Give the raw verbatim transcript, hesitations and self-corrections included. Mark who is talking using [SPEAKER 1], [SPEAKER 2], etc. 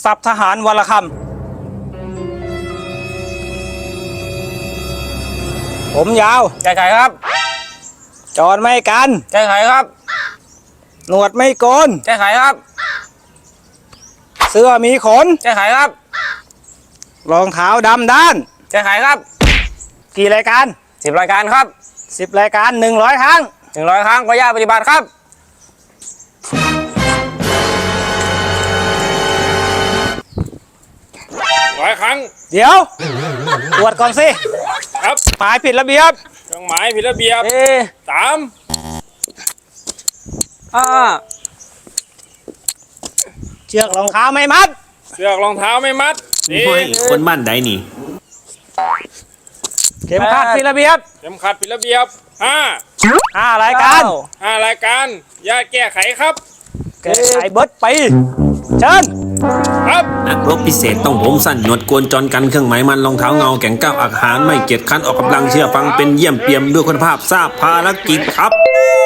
[SPEAKER 1] สับทหารวรคำผมยาว
[SPEAKER 2] แก้ไขครับ
[SPEAKER 1] จอนไม่กัน
[SPEAKER 2] แก้ไขครับ
[SPEAKER 1] หนวดไม่โกน
[SPEAKER 2] แก้ไขครับ
[SPEAKER 1] เสื้อมีขน
[SPEAKER 2] แก้ไขครับ
[SPEAKER 1] รองเท้าดำด้าน
[SPEAKER 2] แก้ไขครับ
[SPEAKER 1] กี่รายการ
[SPEAKER 2] สิบรายการครับ
[SPEAKER 1] สิบรายการหนึ่งร้อยครั้ง
[SPEAKER 2] หนึ่งร้อยครั้งขออนุญาตปฏิบัติครับ
[SPEAKER 3] ร้อยครั้ง
[SPEAKER 1] เดี๋ยวตรวจก่อนสิ
[SPEAKER 3] ครับ
[SPEAKER 1] หมายผิดระเบียบ
[SPEAKER 3] เครื่องหมายผิดระเบียบสาม
[SPEAKER 2] อ่า
[SPEAKER 1] เชือกรองเท้าไม่มัด
[SPEAKER 3] เชือกรองเท้าไม่มัด
[SPEAKER 4] นี่คนบ้านใดนี่
[SPEAKER 1] เข็มขัดผิดระเบียบ
[SPEAKER 3] เข็มขัดผิดระเบียบห้า
[SPEAKER 1] ห้ารายการ
[SPEAKER 3] ห้ารายการญาติแก้ไขครับ
[SPEAKER 1] แก้ไขเบิร์ดไปเชิญ
[SPEAKER 3] ครับ
[SPEAKER 4] นักรบพิเศษต้องผมสั้นหนวดกวนจรกันเครื่องหมายมันรองเท้าเงาแก่งก้าวอาหารไม่เกียจคันออกกำลังเชื่อฟังเป็นเยี่ยมเปี่ยมด้วยคุณภาพทราบภารกิจครับ